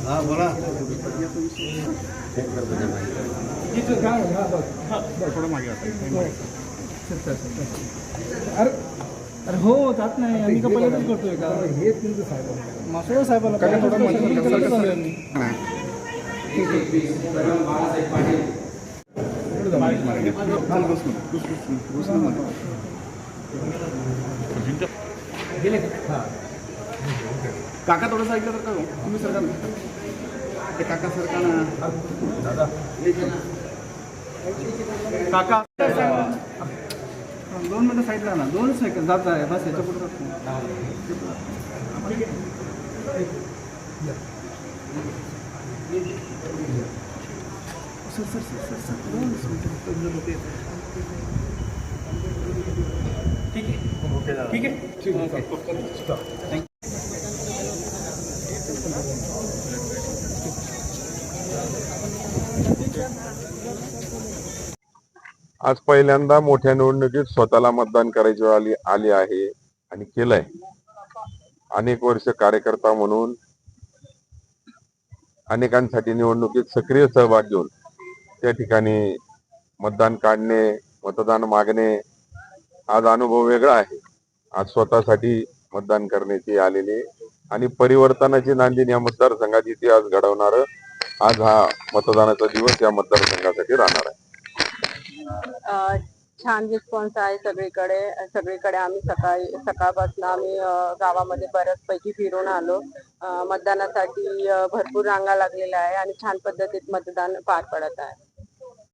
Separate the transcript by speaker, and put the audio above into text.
Speaker 1: हा बोला.
Speaker 2: थोडं मागे
Speaker 3: अरे अरे हो जात नाही आम्ही का पहिल्यांदाच करतोय का हे तुमचं साहेब मासोळा साहेबाला
Speaker 2: काका थोडं ऐकलं तर का तुम्ही सरकार ते काका सरकार दादा काका 2 मिनिटं साईडला ना 2 सेकंद जात आहे बस याच्या पुढे sir sir sir sir sir ठीक आहे ठीक आहे ठीक आहे.
Speaker 4: आज पहिल्यांदा मोठ्या निवडणुकीत स्वतःला मतदान करायची वेळ आली आहे आणि केलंय. अनेक वर्ष कार्यकर्ता म्हणून अनेकांसाठी निवडणुकीत सक्रिय सहभाग घेऊन त्या ठिकाणी मतदान काढणे, मतदान मागणे, आज अनुभव वेगळा आहे. आज स्वतःसाठी मतदान करण्याची आलेली आणि परिवर्तनाची नांदी या मतदारसंघात इतिहास घडवणार आज हा मतदानाचा दिवस या मतदारसंघासाठी राहणार आहे.
Speaker 5: छान रिस्पॉन्स आहे सगळीकडे आम्ही सकाळपासून आम्ही गावामध्ये बऱ्याचपैकी फिरून आलो. मतदानासाठी भरपूर रांगा लागलेल्या आहे आणि छान पद्धतीत मतदान पार पडत आहे.